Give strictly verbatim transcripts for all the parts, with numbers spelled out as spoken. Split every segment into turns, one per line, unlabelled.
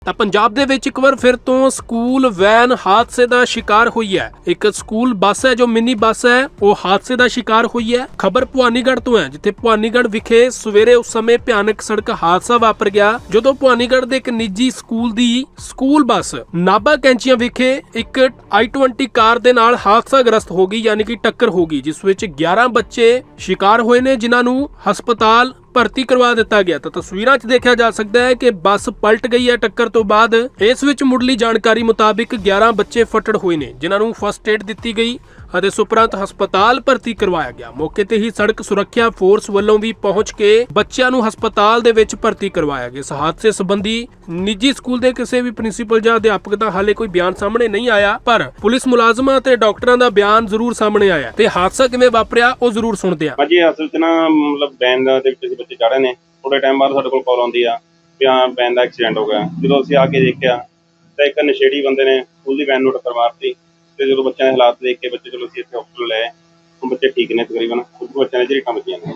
ਤਾਂ ਪੰਜਾਬ ਦੇ ਵਿੱਚ ਇੱਕ ਵਾਰ ਫਿਰ ਤੋਂ ਸਕੂਲ ਵੈਨ ਹਾਦਸੇ ਦਾ ਸ਼ਿਕਾਰ ਹੋਈ ਹੈ। ਇੱਕ ਸਕੂਲ ਬੱਸ ਹੈ ਜੋ ਮਿੰਨੀ ਬੱਸ ਹੈ, ਉਹ ਹਾਦਸੇ ਦਾ ਸ਼ਿਕਾਰ ਹੋਈ ਹੈ। ਖਬਰ ਭਵਾਨੀਗੜ੍ਹ ਤੋਂ ਹੈ, ਜਿੱਥੇ ਭਵਾਨੀਗੜ੍ਹ ਵਿਖੇ ਸਵੇਰੇ ਉਸ ਸਮੇਂ ਭਿਆਨਕ ਸੜਕ ਹਾਦਸਾ ਵਾਪਰ ਗਿਆ ਜਦੋਂ ਭਵਾਨੀਗੜ੍ਹ ਦੇ ਇੱਕ ਨਿੱਜੀ ਸਕੂਲ ਦੀ ਸਕੂਲ ਬੱਸ ਨਾਭਾ ਕੈਂਚੀਆਂ ਵਿਖੇ ਇੱਕ ਆਈ ਟਵੰਟੀ ਕਾਰ ਦੇ ਨਾਲ ਹਾਦਸਾਗ੍ਰਸਤ ਹੋ ਗਈ, ਯਾਨੀ ਕਿ ਟੱਕਰ ਹੋ ਗਈ, ਜਿਸ ਵਿੱਚ ਗਿਆਰਾਂ ਬੱਚੇ ਸ਼ਿਕਾਰ ਹੋਏ ਨੇ, ਜਿਨ੍ਹਾਂ ਨੂੰ ਹਸਪਤਾਲ ਭਰਤੀ ਕਰਵਾ ਦਿੱਤਾ ਗਿਆ। ਤਾਂ ਤਸਵੀਰਾਂ 'ਚ ਦੇਖਿਆ ਜਾ ਸਕਦਾ ਹੈ ਕਿ ਬੱਸ ਪਲਟ ਗਈ ਹੈ ਟੱਕਰ ਤੋਂ ਬਾਅਦ। ਇਸ ਵਿੱਚ ਮੁੱਢਲੀ ਜਾਣਕਾਰੀ ਮੁਤਾਬਿਕ ਗਿਆਰਾਂ ਬੱਚੇ ਫੱਟੜ ਹੋਏ ਨੇ, ਜਿਨ੍ਹਾਂ ਨੂੰ ਫਸਟ ਏਡ ਦਿੱਤੀ ਗਈ ਅਤੇ ਸੁਪਰੰਤ ਹਸਪਤਾਲ ਭਰਤੀ ਕਰਵਾਇਆ ਗਿਆ। ਮੌਕੇ ਤੇ ਹੀ ਸੜਕ ਸੁਰੱਖਿਆ ਫੋਰਸ ਵੱਲੋਂ ਵੀ ਪਹੁੰਚ ਕੇ ਬੱਚਿਆਂ ਨੂੰ ਹਸਪਤਾਲ ਦੇ ਵਿੱਚ ਭਰਤੀ ਕਰਵਾਇਆ ਗਿਆ। ਇਸ ਹਾਦਸੇ ਸੰਬੰਧੀ ਨਿੱਜੀ ਸਕੂਲ ਦੇ ਕਿਸੇ ਵੀ ਪ੍ਰਿੰਸੀਪਲ ਜਾਂ ਅਧਿਆਪਕ ਦਾ ਹਾਲੇ ਕੋਈ ਬਿਆਨ ਸਾਹਮਣੇ ਨਹੀਂ ਆਇਆ, ਪਰ ਪੁਲਿਸ ਮੁਲਾਜ਼ਮਾਂ ਅਤੇ ਡਾਕਟਰਾਂ ਦਾ ਬਿਆਨ ਜ਼ਰੂਰ ਸਾਹਮਣੇ ਆਇਆ ਤੇ ਹਾਦਸਾ ਕਿਵੇਂ ਵਾਪਰਿਆ ਉਹ ਜ਼ਰੂਰ ਸੁਣਦੇ ਹਾਂ।
ਭਾਜੀ ਅਸਲ 'ਚ ਨਾ ਮਤਲਬ ਵੈਨ ਦੇ ਵਿੱਚ ਬੱਚੇ ਚੜ੍ਹੇ ਨੇ, ਥੋੜੇ ਟਾਈਮ ਬਾਅਦ ਸਾਡੇ ਕੋਲ ਕਾਲ ਆਉਂਦੀ ਆ ਵੀ ਹਾਂ ਵੈਨ ਦਾ ਐਕਸੀਡੈਂਟ ਹੋ ਗਿਆ। ਜਦੋਂ ਅਸੀਂ ਆ ਕੇ ਦੇਖਿਆ ਤਾਂ ਇੱਕ ਨਸ਼ੇੜੀ ਬੰਦੇ ਨੇ ਸਕੂਲ ਦੀ ਵੈਨ ਨੂੰ ਟੱਕਰ ਮਾਰਤੀ ਤੇ ਜਦੋਂ ਬੱਚਿਆਂ ਦੇ ਹਾਲਾਤ ਦੇਖ ਕੇ ਬੱਚੇ ਚਲੋ ਅਸੀਂ ਇੱਥੇ ਹਸਪਤਾਲ ਲਏ। ਹੁਣ ਬੱਚੇ ਠੀਕ ਨੇ, ਤਕਰੀਬਨ ਕੁਝ ਬੱਚਿਆਂ ਨੇ ਝਰੀਟਾਂ ਵੱਜੀਆਂ ਨੇ।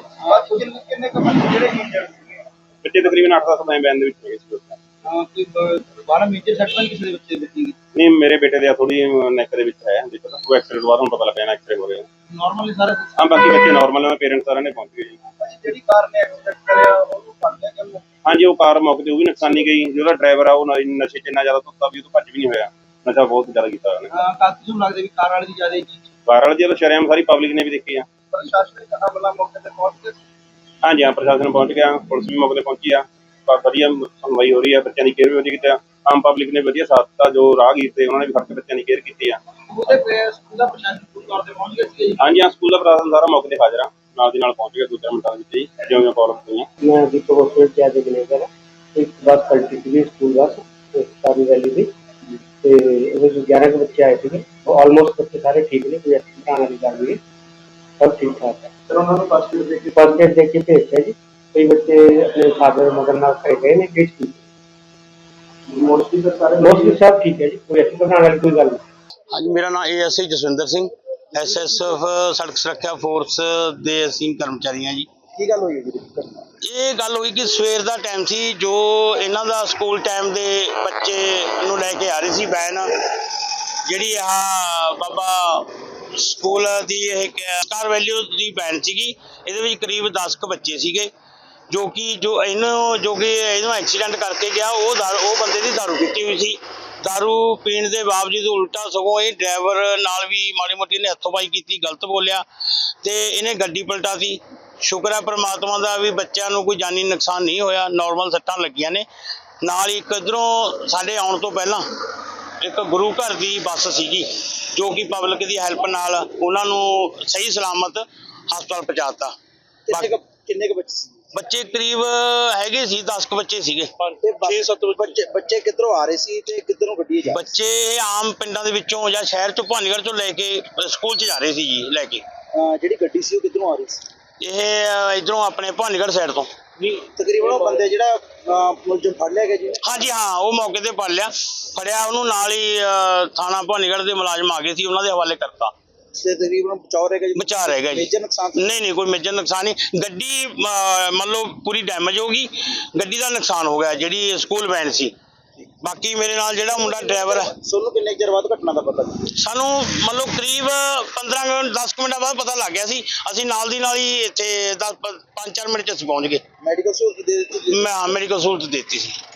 ਬੱਚੇ ਤਕਰੀਬਨ ਅੱਠ ਦਸ ਵੈਨ ਦੇ ਵਿੱਚ ਹੈਗੇ ਸੀ। ਨਹੀਂ, ਮੇਰੇ ਬੇਟੇ ਦੇ ਥੋੜੀ ਨੈਕ ਦੇ ਵਿੱਚ ਹੈ, ਉਹ ਐਕਸੀਡੈਂਟ ਬਾਅਦ ਹੁਣ ਪਤਾ ਲੱਗਿਆ ਨਾ ਐਕਸੀਡੈਂਟ ਹੋ ਰਿਹਾ। ਨਾਰਮਲ ਸਾਰੇ ਹਾਂ, ਬਾਕੀ ਬੱਚੇ ਨਾਰਮਲ ਨੇ, ਪੇਰੈਂਟਸ ਸਾਰਿਆਂ ਨੇ ਪਹੁੰਚ ਗਏ ਜੀ। ਜਿਹੜੀ ਕਾਰ ਨੇ ਐਕਸੀਡੈਂਟ ਕਰਿਆ ਉਹਨੂੰ ਫੜ ਲਿਆ ਕਿ ਹਾਂਜੀ, ਉਹ ਕਾਰ ਮੌਕੇ ਤੇ ਉਹ ਵੀ ਨੁਕਸਾਨੀ ਗਈ। ਜਿਹੜਾ ਡਰਾਈਵਰ ਆ ਉਹ ਨਸ਼ੇ 'ਚ ਇੰਨਾ ਜ਼ਿਆਦਾ ਧੁੱਤਾ ਵੀ ਉਹ ਤੋਂ ਭੱਜ ਵੀ ਨਹੀਂ ਹੋਇਆ। ਨਸ਼ਾ ਬਹੁਤ ਜ਼ਿਆਦਾ ਕੀਤਾ ਉਹਨੇ। ਹਾਂ, ਕਾਫੀ ਨੂੰ ਲੱਗਦਾ ਵੀ ਕਾਰ ਵਾਲੀ ਦੀ ਜ਼ਿਆਦਾ ਕਾਰ ਵਾਲੀ ਦੀ ਸ਼ਰੇਆਮ ਸਾਰੀ ਪਬਲਿਕ ਨੇ ਵੀ ਦੇਖੀ ਆ। ਪ੍ਰਸ਼ਾਸਨਿਕ ਅਮਲਾ ਮੌਕੇ ਤੇ ਪਹੁੰਚ ਗਿਆ। ਹਾਂਜੀ ਹਾਂ, ਪ੍ਰਸ਼ਾਸਨ ਪਹੁੰਚ ਗਿਆ, ਪੁਲਿਸ ਵੀ ਮੌਕੇ ਤੇ ਪਹੁੰਚੀ ਆ। ਵਧੀਆ ਸੁਣਵਾਈ ਹੋ ਰਹੀ ਆ, ਬੱਚਿਆਂ ਦੀ ਕੇਅਰ ਵੀ ਵਧੀਆ ਕੀਤੀ ਆ। ਆਮ ਪਬਲਿਕ ਨੇ ਵਧੀਆ ਸਾਥ ਦਿੱਤਾ, ਜੋ ਰਾਹਗੀਰ ਤੇ ਉਹਨਾਂ ਨੇ ਵੀ ਫੜ ਕੇ ਬੱਚਿਆਂ ਦੀ ਕੇਅਰ ਕੀਤੀ ਆ। ਸਕੂਲ ਦਾ ਪ੍ਰਸ਼ਾਸਨ ਪੂਰੀ ਤੌਰ ਤੇ ਪਹੁੰਚ ਗਿਆ ਸੀ। ਹਾਂਜੀ ਹਾਂ, ਸਕੂਲ ਦਾ ਪ੍ਰਸ਼ਾਸਨ ਸਾਰਾ ਮੌਕੇ ਤੇ ਹਾਜ਼ਰ ਆ, ਨਾਲ ਦੀ ਨਾਲ ਪਹੁੰਚ ਗਿਆ ਦੂਜੇ ਮਿੰਟਾਂ ਵਿੱਚ ਹੀ ਜਿਉਂ ਜਿਉਂ ਕਾਲ ਹੋਈਆਂ।
ਮੈਂ ਦੀਪਕ ਹਸਪੀਟਲ ਚ ਅੱਜ ਮੈਨੇਜਰ ਇੱਕ ਬੱਸ ਪਲਟੀ ਸੀ ਸਕੂਲ ਬੱਸ ਸਾਰੀ ਵੈਲੀ ਦੀ ਤੇ ਉਹਦੇ ਵਿੱਚ ਗਿਆਰਾਂ ਕੁ ਬੱਚੇ ਆਏ ਸੀਗੇ। ਆਲਮੋਸਟ ਬੱਚੇ ਸਾਰੇ ਠੀਕ ਨੇ, ਕੋਈ ਐਕਸੀਡੈਂਟ ਆਉਣ ਵਾਲੀ ਗੱਲ ਨਹੀਂ, ਸਭ ਠੀਕ ਠਾਕ ਹੈ। ਫਿਰ ਉਹਨਾਂ ਨੂੰ ਫਸਟ ਏਡ ਦੇ ਕੇ ਫਸਟ ਏਡ ਦੇ ਕੇ ਭੇਜਿਆ ਜੀ। ਕਈ ਬੱਚੇ ਆਪਣੇ ਫਾਦਰ ਮਦਰ ਨਾਲ ਘਰੇ ਗਏ ਨੇ, ਕਿਸ ਕੀ ਮੋਸਟਲੀ ਤਾਂ ਸਾਰੇ ਮੋਸਟਲੀ ਸਭ ਠੀਕ ਹੈ ਜੀ, ਕੋਈ ਐਕਸੀਡੈਂਟ ਆਉਣ ਵਾਲੀ ਕੋਈ ਗੱਲ ਨਹੀਂ।
ਹਾਂਜੀ, ਮੇਰਾ ਨਾਮ A S I Jaswinder Singh, S S F ਸੜਕ ਸੁਰੱਖਿਆ ਫੋਰਸ ਦੇ ਅਸੀਂ ਕਰਮਚਾਰੀ ਹਾਂ ਜੀ।
ਕੀ ਗੱਲ ਹੋਈ ਜੀ?
ਇਹ ਗੱਲ ਹੋਈ ਕਿ ਸਵੇਰ ਦਾ ਟਾਈਮ ਸੀ, ਜੋ ਇਹਨਾਂ ਦਾ ਸਕੂਲ ਟਾਈਮ ਦੇ ਬੱਚੇ ਨੂੰ ਲੈ ਕੇ ਆ ਰਹੀ ਸੀ ਵੈਨ, ਜਿਹੜੀ ਆਹ ਬਾਬਾ ਸਕੂਲ ਦੀ ਇਹ ਸਟਾਰ ਵੈਲਿਊ ਦੀ ਵੈਨ ਸੀਗੀ। ਇਹਦੇ ਵਿੱਚ ਕਰੀਬ ਦਸ ਕੁ ਬੱਚੇ ਸੀਗੇ, ਜੋ ਕਿ ਜੋ ਇਹਨੂੰ ਜੋ ਕਿ ਇਹਨੂੰ ਐਕਸੀਡੈਂਟ ਕਰਕੇ ਗਿਆ ਉਹ ਦਾਰੂ ਉਹ ਬੰਦੇ ਦੀ ਦਾਰੂ ਪੀਤੀ ਹੋਈ ਸੀ। ਦਾਰੂ ਪੀਣ ਦੇ ਬਾਵਜੂਦ ਉਲਟਾ ਸਗੋਂ ਇਹ ਡਰਾਈਵਰ ਨਾਲ ਵੀ ਮਾੜੀ ਮੋਟੀ ਨੇ ਹੱਥੋਂਬਾਈ ਕੀਤੀ, ਗਲਤ ਬੋਲਿਆ ਤੇ ਇਹਨੇ ਗੱਡੀ ਪਲਟਾਤੀ। ਸ਼ੁਕਰ ਹੈ ਪ੍ਰਮਾਤਮਾ ਦਾ ਵੀ ਬੱਚਿਆਂ ਨੂੰ ਕੋਈ ਜਾਨੀ ਨੁਕਸਾਨ ਨਹੀਂ ਹੋਇਆ, ਨਾਰਮਲ ਸੱਟਾਂ ਲੱਗੀਆਂ ਨੇ। ਨਾਲ ਹੀ ਇੱਕ ਇੱਧਰੋਂ ਸਾਡੇ ਆਉਣ ਤੋਂ ਪਹਿਲਾਂ ਇੱਕ ਗੁਰੂ ਘਰ ਦੀ ਬੱਸ ਸੀਗੀ, ਜੋ ਕਿ ਪਬਲਿਕ ਦੀ ਹੈਲਪ ਨਾਲ ਉਹਨਾਂ ਨੂੰ ਸਹੀ ਸਲਾਮਤ ਹਸਪਤਾਲ ਪਹੁੰਚਾਤਾ।
ਕਿੰਨੇ ਕੁ ਬੱਚੇ
ਬੱਚੇ ਕਰੀਬ ਹੈਗੇ ਸੀ ਦਸ ਕੁ ਬੱਚੇ ਸੀਗੇ।
ਛੇ ਸੱਤ ਬੱਚੇ ਬੱਚੇ ਕਿੱਧਰੋਂ ਆ ਰਹੇ ਸੀ ਤੇ ਕਿੱਧਰੋਂ ਗੱਡੀ ਜਾ?
ਬੱਚੇ ਆਮ ਪਿੰਡਾਂ ਦੇ ਵਿੱਚੋਂ ਜਾਂ ਸ਼ਹਿਰ ਚੋਂ ਭਵਾਨੀਗੜ੍ਹ ਤੋਂ ਲੈ ਕੇ ਸਕੂਲ 'ਚ ਜਾ ਰਹੇ ਸੀ ਜੀ ਲੈ ਕੇ।
ਜਿਹੜੀ ਗੱਡੀ ਸੀ ਉਹ ਕਿੱਧਰੋਂ ਆ ਰਹੀ ਸੀ?
ਇਹ ਇਧਰੋਂ ਆਪਣੇ ਭਵਾਨੀਗੜ੍ਹ ਸਾਈਡ ਤੋਂ।
ਤਕਰੀਬਨ ਉਹ ਬੰਦੇ ਜਿਹੜਾ ਮੁਲਜ਼ਮ ਫੜ ਲਿਆ ਗਿਆ ਜੀ?
ਹਾਂਜੀ ਹਾਂ, ਉਹ ਮੌਕੇ ਤੇ ਫੜ ਲਿਆ ਫੜਿਆ ਉਹਨੂੰ, ਨਾਲ ਹੀ ਥਾਣਾ ਭਵਾਨੀਗੜ੍ਹ ਦੇ ਮੁਲਾਜ਼ਮ ਆ ਗਏ ਸੀ, ਉਹਨਾਂ ਦੇ ਹਵਾਲੇ ਕਰਤਾ।
ਤੇ ਤਕਰੀਬਨ ਬਚਾਅ ਰਹਿ ਗਿਆ ਜੀ?
ਬਚਾਅ ਰਹਿ ਗਿਆ ਜੀ।
ਮੇਜਰ ਨੁਕਸਾਨ
ਨਹੀਂ ਨਹੀਂ, ਕੋਈ ਮੇਜਰ ਨੁਕਸਾਨ ਨਹੀਂ। ਗੱਡੀ ਮੰਨ ਲਓ ਪੂਰੀ ਡੈਮੇਜ ਹੋ ਗਈ, ਗੱਡੀ ਦਾ ਨੁਕਸਾਨ ਹੋ ਗਿਆ ਜਿਹੜੀ ਸਕੂਲ ਵੈਨ ਸੀ। ਬਾਕੀ ਮੇਰੇ ਨਾਲ ਜਿਹੜਾ ਮੁੰਡਾ ਡਰਾਈਵਰ ਹੈ।
ਤੁਹਾਨੂੰ ਕਿੰਨੇ ਚਿਰ ਬਾਅਦ ਘਟਨਾ ਦਾ ਪਤਾ?
ਸਾਨੂੰ ਮੰਨ ਲਓ ਕਰੀਬ ਪੰਦਰਾਂ ਮਿੰਟ ਦਸ ਕੁ ਮਿੰਟਾਂ ਬਾਅਦ ਪਤਾ ਲੱਗ ਗਿਆ ਸੀ। ਅਸੀਂ ਨਾਲ ਦੀ ਨਾਲ ਹੀ ਇੱਥੇ ਦਸ ਪੰਜ ਚਾਰ ਮਿੰਟ 'ਚ ਅਸੀਂ ਪਹੁੰਚ ਗਏ।
ਮੈਡੀਕਲ ਸਹੂਲਤ ਦੇ ਦਿੱਤੀ?
ਮੈਂ ਮੈਡੀਕਲ ਸਹੂਲਤ ਦੇ ਦਿੱਤੀ ਸੀ।